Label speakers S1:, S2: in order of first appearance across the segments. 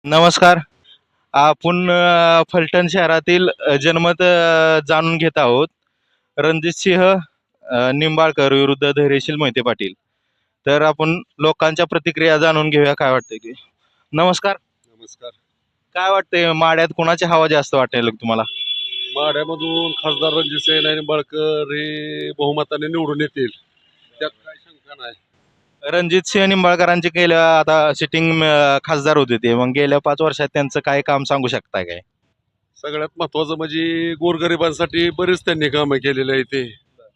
S1: नमस्कार. आपण फलटण शहरातील जनमत जाणून घेत आहोत. रणजितसिंह निंबाळकर विरुद्ध धैर्यशील मोहिते पाटील. तर आपण लोकांच्या प्रतिक्रिया जाणून घेऊया, काय वाटतंय ते. नमस्कार.
S2: नमस्कार.
S1: काय वाटतंय, माड्यात कोणाची हवा जास्त वाटेल तुम्हाला?
S2: माढ्यामधून खासदार रणजितसिंह निंबाळकर हे बहुमताने निवडून येतील, त्यात काय शंका नाही.
S1: रणजितसिंह निंबाळकरांचे गेल्या आता सिटिंग खासदार होते ते, मग गेल्या 5 वर्षात त्यांचं काय काम सांगू शकताय काय?
S2: सगळ्यात महत्वाचं म्हणजे गोरगरिबांसाठी बरेच त्यांनी कामं केलेले आहे ते.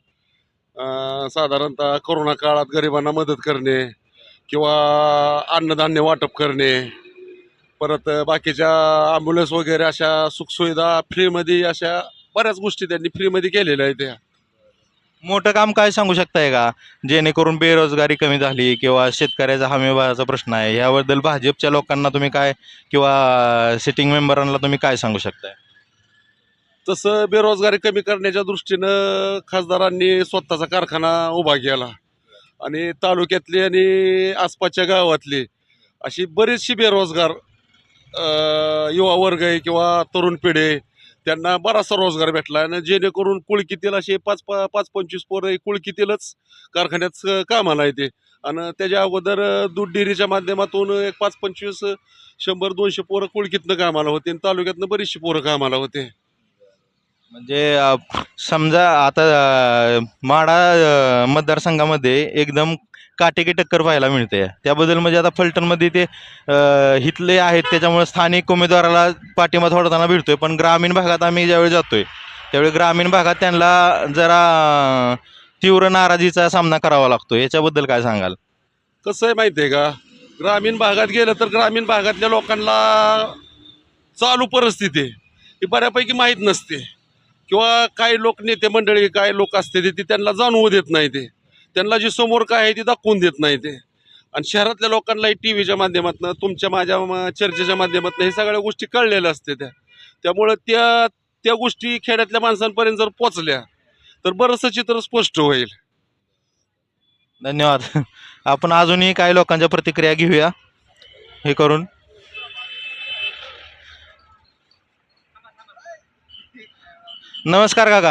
S2: साधारणतः कोरोना काळात गरिबांना मदत करणे किंवा अन्नधान्य वाटप करणे, परत बाकीच्या ॲम्ब्युलन्स वगैरे अशा सुखसुविधा फ्रीमध्ये, अशा बऱ्याच गोष्टी त्यांनी फ्रीमध्ये केलेल्या आहेत त्या.
S1: मोठं काम काय सांगू शकताय का, जेणेकरून बेरोजगारी कमी झाली किंवा शेतकऱ्याचा हमीभावाचा प्रश्न आहे, याबद्दल भाजपच्या लोकांना तुम्ही काय किंवा सिटिंग मेंबरांना तुम्ही काय सांगू शकताय?
S2: तसं बेरोजगारी कमी करण्याच्या दृष्टीनं खासदारांनी स्वतःचा कारखाना उभा केला आणि तालुक्यातली आणि आसपासच्या गावातली अशी बरीचशी बेरोजगार युवा वर्ग आहे किंवा तरुण पिढी आहे, त्यांना बराचसा रोजगार भेटला आणि जेणेकरून कुळकीतील असे 25 पोरं कुळकीतीलच कारखान्यात कामाला येते. आणि त्याच्या अगोदर दूध डेअरीच्या माध्यमातून एक 5-25 100-200 पोरं कुळकीतनं कामाला होते आणि तालुक्यातनं बरीचशी पोरं कामाला होते.
S1: म्हणजे समजा आता माढा मतदारसंघामध्ये एकदम काटेकी टक्कर पाहायला मिळते, त्याबद्दल म्हणजे आता फलटणमध्ये ते हितले आहेत, त्याच्यामुळे स्थानिक उमेदवाराला पाठिंबा थोडताना भेटतोय, पण ग्रामीण भागात आम्ही ज्यावेळी जातोय त्यावेळी ग्रामीण भागात त्यांना जरा तीव्र नाराजीचा सामना करावा लागतो. याच्याबद्दल काय सांगाल?
S2: कसं आहे माहिती आहे का, ग्रामीण भागात गेलं तर ग्रामीण भागातल्या लोकांना चालू परिस्थिती ही बऱ्यापैकी माहीत नसते किंवा काही लोक नेते मंडळी काय लोक असते ते त्यांना जाणवू देत नाही, ते त्यांना जे समोर काय आहे ते दाखवून देत नाही ते. आणि शहरातल्या लोकांनाही टी व्हीच्या माध्यमातून, तुमच्या माझ्या चर्चेच्या माध्यमातून हे सगळ्या गोष्टी कळलेल्या असते त्या. त्यामुळं त्या त्या गोष्टी खेड्यातल्या माणसांपर्यंत जर पोचल्या तर बरंचसं चित्र स्पष्ट होईल.
S1: धन्यवाद. आपण अजूनही काही लोकांच्या प्रतिक्रिया घेऊया हे करून. नमस्कार काका.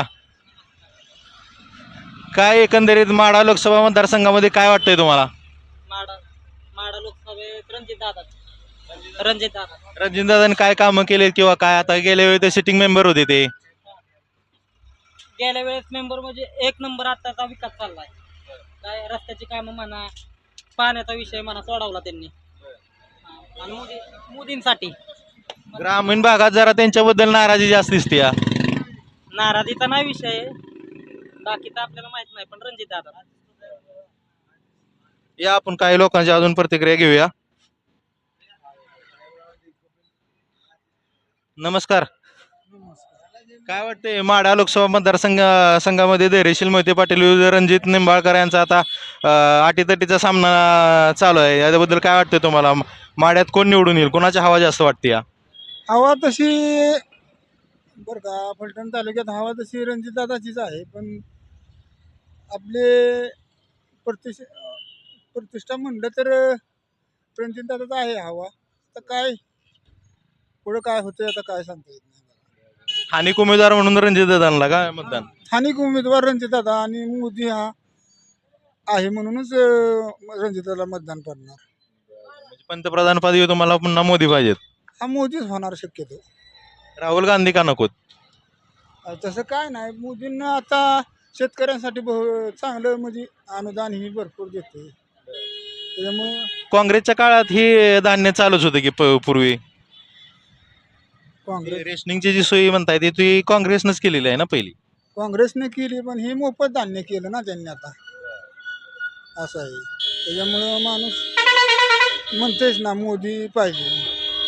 S1: काय एकंदरीत माढा लोकसभा मतदारसंघामध्ये काय वाटतंय तुम्हाला?
S3: माडा माडा लोकसभेत रणजित दादा
S1: रणजितदादांनी काय कामं केले किंवा काय, आता गेल्या वेळी ते सिटिंग मेंबर होते ते?
S3: गेल्या वेळेस मेंबर म्हणजे एक नंबर आताचा विकास चाललाय. काय रस्त्याची कामं म्हणा, पाण्याचा विषय म्हणा सोडवला त्यांनी. आणि मोदींसाठी
S1: ग्रामीण भागात जरा त्यांच्याबद्दल नाराजी जास्त दिसते या.
S3: नाराजीचा नाही विषय, बाकी तर आपल्याला माहित नाही, पण रणजित दादा.
S1: या आपण काही लोकांच्या अजून प्रतिक्रिया घेऊया. नमस्कार. काय वाटतंय, माढा लोकसभा संघामध्ये धैर्यशील मोहिते पाटील विरुद्ध रणजित निंबाळकर यांचा आता अटीतटीचा सामना चालू आहे, याबद्दल काय वाटतंय तुम्हाला? माढ्यात कोण निवडून येईल, कोणाची हवा जास्त वाटते या?
S4: हवा तशी बरं का, फलटण तालुक्यात हवा तशी रणजितदादाचीच आहे, पण आपले प्रतिष्ठा म्हणलं तर रणजितदादाच आहे हवा. तर काय पुढं काय होतं आता काय सांगता येत नाही.
S1: स्थानिक उमेदवार म्हणून रणजितदादांना काय मतदान?
S4: स्थानिक उमेदवार रणजितदादा आणि मोदी हा आहे म्हणूनच रणजितदादाला मतदान पडणार.
S1: म्हणजे पंतप्रधान पदवी तुम्हाला पुन्हा मोदी पाहिजेत?
S4: हा मोदीच होणार शक्यतो.
S1: राहुल गांधी का नकोत?
S4: तसं काय नाही, मोदींना आता शेतकऱ्यांसाठी चांगलं म्हणजे अनुदान ही भरपूर देते, त्याच्यामुळं
S1: काँग्रेसच्या काळात ही धान्य चालूच होतं की पूर्वी
S4: काँग्रेस
S1: रेशनिंगची जी सोयी म्हणताय ती काँग्रेसनंच केलेली आहे ना पहिली?
S4: काँग्रेसने केली, पण हे मोफत धान्य केलं ना त्यांनी आता, असं आहे. त्याच्यामुळं माणूस म्हणतेच ना मोदी पाहिजे.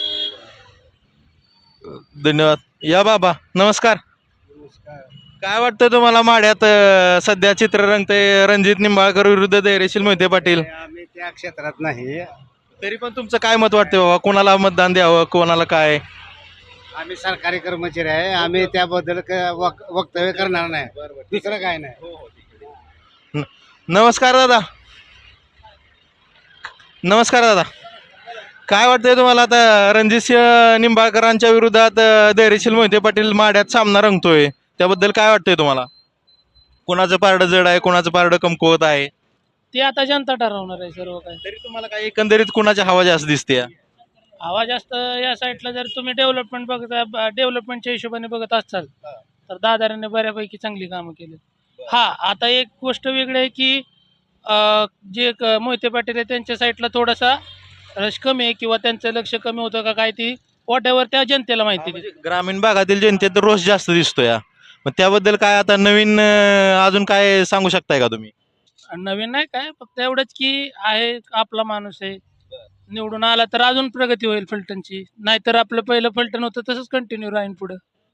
S1: धन्यवाद. या बाबा नमस्कार. काय वाटतं तुम्हाला, माढ्यात सध्या चित्र रंगते रणजित निंबाळकर विरुद्ध धैर्यशील मोहिते पाटील?
S5: आम्ही त्या क्षेत्रात नाही.
S1: तरी पण तुमचं काय मत वाटतं बाबा, कोणाला मतदान द्यावं, कोणाला काय?
S5: आम्ही सरकारी कर्मचारी आहे, आम्ही त्याबद्दल वक्तव्य करणार नाही, दुसरं काय नाही.
S1: नमस्कार दादा. नमस्कार दादा. काय वाटतंय तुम्हाला आता रणजितसिंह निंबाळकरांच्या विरोधात धैर्यशील मोहिते पाटील माड्यात सामना रंगतोय, त्याबद्दल काय वाटतंय तुम्हाला? कोणाचं पारडं जड आहे, कोणाचं पारडं कमकुवत आहे?
S6: ते आता जनता ठरवणार आहे सर्व काय.
S1: तरी तुम्हाला काय एकंदरीत कोणाची हवा जास्त दिसते?
S6: हवा जास्त या साईडला जर तुम्ही डेव्हलपमेंटच्या हिशोबाने बघत असाल तर दादारांनी बऱ्यापैकी चांगली कामं केली. हा आता एक गोष्ट वेगळी आहे की मोहिते पाटील आहे त्यांच्या साईडला थोडासा रश कमी आहे किंवा त्यांचं लक्ष कमी होतं का काय ती वॉटेवर त्या जनतेला माहिती
S1: म्हणजे ग्रामीण भागातील जनतेत रोष जास्त दिसतोय मग त्याबद्दल काय आता नवीन अजून काय सांगू शकताय का तुम्ही?
S6: नवीन नाही काय फक्त एवढंच की आहे आपला माणूस आहे निवडून आला तर अजून प्रगती होईल फलटणची नाहीतर आपलं पहिलं फलटण होतं तसंच कंटिन्यू राहीन पुढं.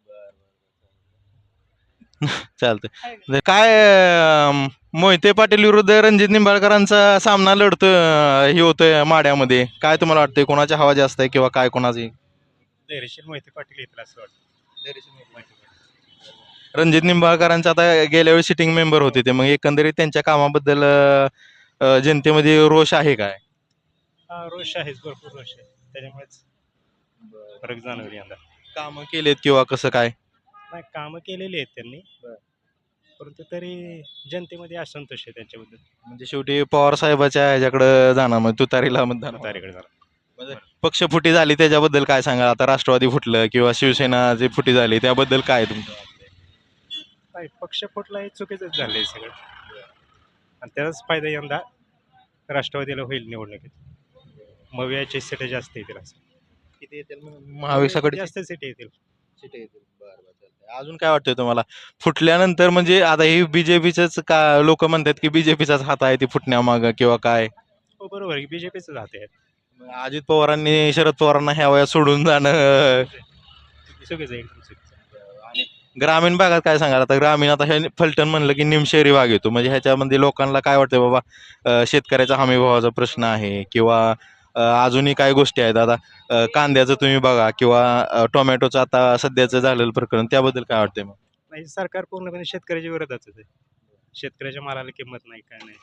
S1: चालतंय. काय मोहिते पाटील विरुद्ध रणजित निंबाळकरांचा सामना लढतोय हे होतोय माड्यामध्ये, काय तुम्हाला वाटतंय कोणाची हवा जास्त आहे किंवा काय कोणाची?
S7: धैर्यशील मोहिते पाटील येतील असं वाटतं.
S1: रणजित निंबाळकरांचा आता गेल्या वेळी सिटिंग मेंबर होते ते, मग एकंदरीत त्यांच्या कामाबद्दल जनतेमध्ये रोष आहे काय?
S7: हा रोष आहेच, भरपूर रोष आहे, त्याच्यामुळेच फरक जाणवली यंदा.
S1: कामं केलेत किंवा कसं काय?
S7: नाही कामं केलेली आहेत त्यांनी, परंतु तरी जनतेमध्ये असंतोष आहे त्यांच्याबद्दल.
S1: म्हणजे शेवटी पवार साहेबाच्या ह्याच्याकडे जाणार, मग तुतारीला मतदान होणार.
S7: तारीकडे झाला.
S1: म्हणजे पक्षफुटी झाली त्याच्याबद्दल काय सांगा? आता राष्ट्रवादी फुटलं किंवा शिवसेना जी फुटी झाली त्याबद्दल काय तुमचं?
S7: नाही पक्ष फुटला हे चुकीचंच झालं आहे सगळं, आणि त्याचाच फायदा यंदा राष्ट्रवादीला होईल निवडणुकीत. मवियाची सीट जास्त येतील असं.
S1: किती येतील महाविकासाकडे?
S7: जास्त सीट येतील.
S1: अजून काय वाटतंय तुम्हाला फुटल्यानंतर? म्हणजे आता ही बीजेपीच का लोक म्हणतात की बीजेपीचाच हात आहे ती फुटण्यामागं किंवा काय?
S7: हो बरोबर आहे, बीजेपीच जाते आहेत.
S1: अजित पवारांनी शरद पवारांना ह्या वयात सोडून जाणं
S7: चुकीचं आहे, एकदम चुकीचं.
S1: आणि ग्रामीण भागात काय सांगाल? आता ग्रामीण आता हे फलटण म्हणलं की निमशहरी भाग येतो, म्हणजे ह्याच्यामध्ये लोकांना काय वाटतंय बाबा शेतकऱ्याचा हमी भावाचा प्रश्न आहे किंवा अजूनही काही गोष्टी आहेत. आता कांद्याचं तुम्ही बघा किंवा टोमॅटोचं आता सध्याचं झालेलं प्रकरण, त्याबद्दल काय वाटतंय मग?
S7: नाही सरकार पूर्णपणे शेतकऱ्याच्या विरोधातच आहे. शेतकऱ्याच्या मालाला किंमत नाही, काय नाही,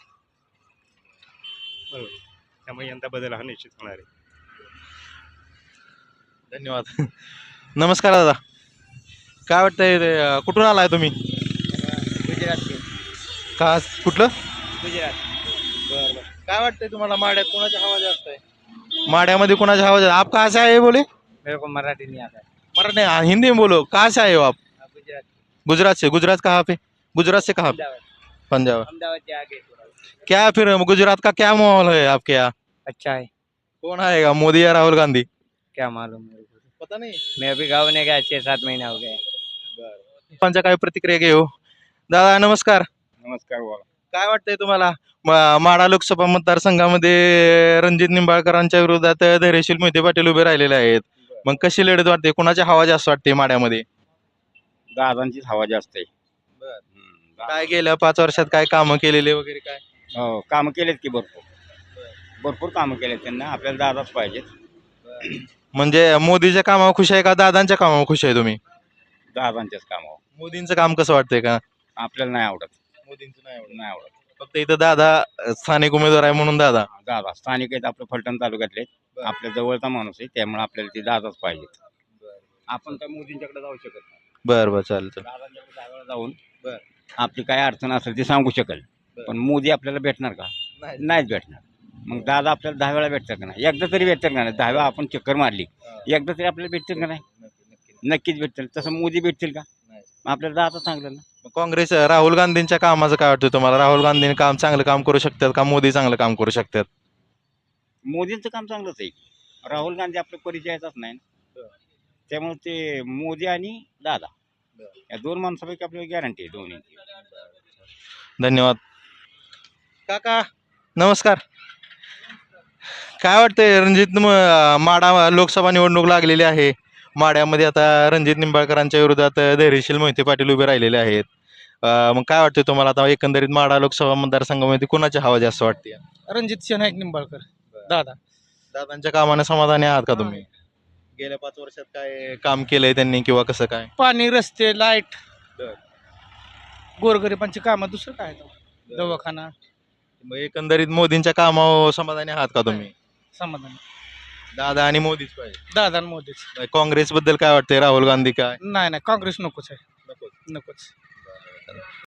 S7: बरोबर. त्यामुळे यंदा बदल हा निश्चित होणार आहे.
S1: धन्यवाद. नमस्कार दादा, काय वाटतंय कुठून आलाय तुम्ही?
S5: गुजरात.
S1: का कुठलं?
S5: गुजरात.
S1: काय वाटतंय तुम्हाला माड्यात कोणाची हवा जास्त आहे? माड्यामध्ये कोणाची हवा जास्त? आप कहाँ से आए बोले?
S5: मेरे को मराठी नहीं आता है.
S1: मराठी नहीं, हिंदी में बोलो. कहाँ से आए हो आप?
S5: गुजरात.
S1: गुजरात से. गुजरात कहाँ पे? गुजरात से कहाँ पे? पंजाब.
S5: अहमदाबाद के आगे थोड़ा.
S1: क्या फिर गुजरात का क्या माहौल है आपके यहाँ?
S5: अच्छा है.
S1: कौन आएगा, मोदी या राहुल गांधी?
S5: क्या मालूम मेरे को.
S1: पता नहीं.
S5: मैं अभी गाँव ने गया 6-7 महीना हो गए.
S1: पंचा काय प्रतिक्रिया घेऊ? दादा नमस्कार.
S2: नमस्कार बोला.
S1: काय वाटतंय तुम्हाला माढा लोकसभा मतदारसंघामध्ये रणजित निंबाळकरांच्या विरोधात धैर्यशील मोहिते पाटील उभे राहिलेले आहेत, मग कशी लढत वाटते? कोणाची हवा जास्त वाटते माड्यामध्ये?
S8: दादांचीच हवा जास्त आहे.
S1: काय गेल्या 5 वर्षात काय कामं केलेले वगैरे काय?
S8: हो कामं केलेत की भरपूर कामं केलेत त्यांना. आपल्याला दादाच पाहिजेत.
S1: म्हणजे मोदीच्या कामावर खुश आहे का दादांच्या कामावर खुश आहे तुम्ही?
S8: दादांच्याच कामावर.
S1: मोदींचं काम कसं वाटतंय का?
S8: आपल्याला नाही आवडत.
S1: मोदींचं
S8: नाही आवडत.
S1: फक्त इथं दादा स्थानिक उमेदवार आहे म्हणून दादा.
S8: दादा स्थानिक आहेत, आपलं फलटण तालुक्यातले, आपल्या जवळचा माणूस आहे, त्यामुळे आपल्याला ते दादाच पाहिजेत. आपण काय मोदींच्याकडे जाऊ शकत नाही.
S1: बरं चालतं.
S8: दादांच्याकडे त्यावेळेला जाऊन आपली काय अडचण असेल ती सांगू शकेल, पण मोदी आपल्याला भेटणार का? नाहीच भेटणार. मग दादा आपल्याला 10 वेळा भेटतात का नाही? एकदा तरी भेटतात का नाही? 10 वेळा आपण चक्कर मारली, एकदा तरी आपल्याला भेटतील का नाही? नक्कीच भेटतील. तसं मोदी भेटतील का? आपल्याला दादा चांगलं ना.
S1: काँग्रेस राहुल गांधींच्या कामाचं काय वाटतं तुम्हाला? राहुल गांधी चांगलं काम करू शकतात का मोदी चांगलं काम करू शकतात?
S8: मोदींचं काम चांगलंच आहे. राहुल गांधी आपल्या परिचयाचाच नाही ना. त्यामुळे ते मोदी आणि दादा या 2 माणसापैकी आपल्याला गॅरंटी आहे दोन्हीची.
S1: धन्यवाद. काका नमस्कार. काय वाटतंय रणजित माढा लोकसभा निवडणूक लागलेली आहे, माड्यामध्ये आता रणजित निंबाळकरांच्या विरोधात धैर्यशील मोहिते पाटील उभे राहिलेले आहेत, मग काय वाटतंय तुम्हाला आता एकंदरीत माढा लोकसभा मतदारसंघामध्ये कोणाची हवा जास्त वाटते?
S6: रणजित सिंह नाईक निंबाळकर दादा.
S1: दादांच्या कामाने समाधानी आहात का तुम्ही? गेल्या 5 वर्षात काय काम केलंय त्यांनी किंवा कसं काय?
S6: पाणी रस्ते लाईट गोरगरिबांची कामं दुसरं काय दवाखाना
S1: मग एकंदरीत मोदींच्या कामावर समाधानी आहात का तुम्ही?
S6: समाधान.
S1: दादा आणि मोदीच पाहिजे.
S9: दादा आणि मोदीच.
S1: काँग्रेस बद्दल काय वाटतंय? राहुल गांधी काय
S9: नाही काँग्रेस नकोच आहे.
S1: नकोच.
S9: नकोच.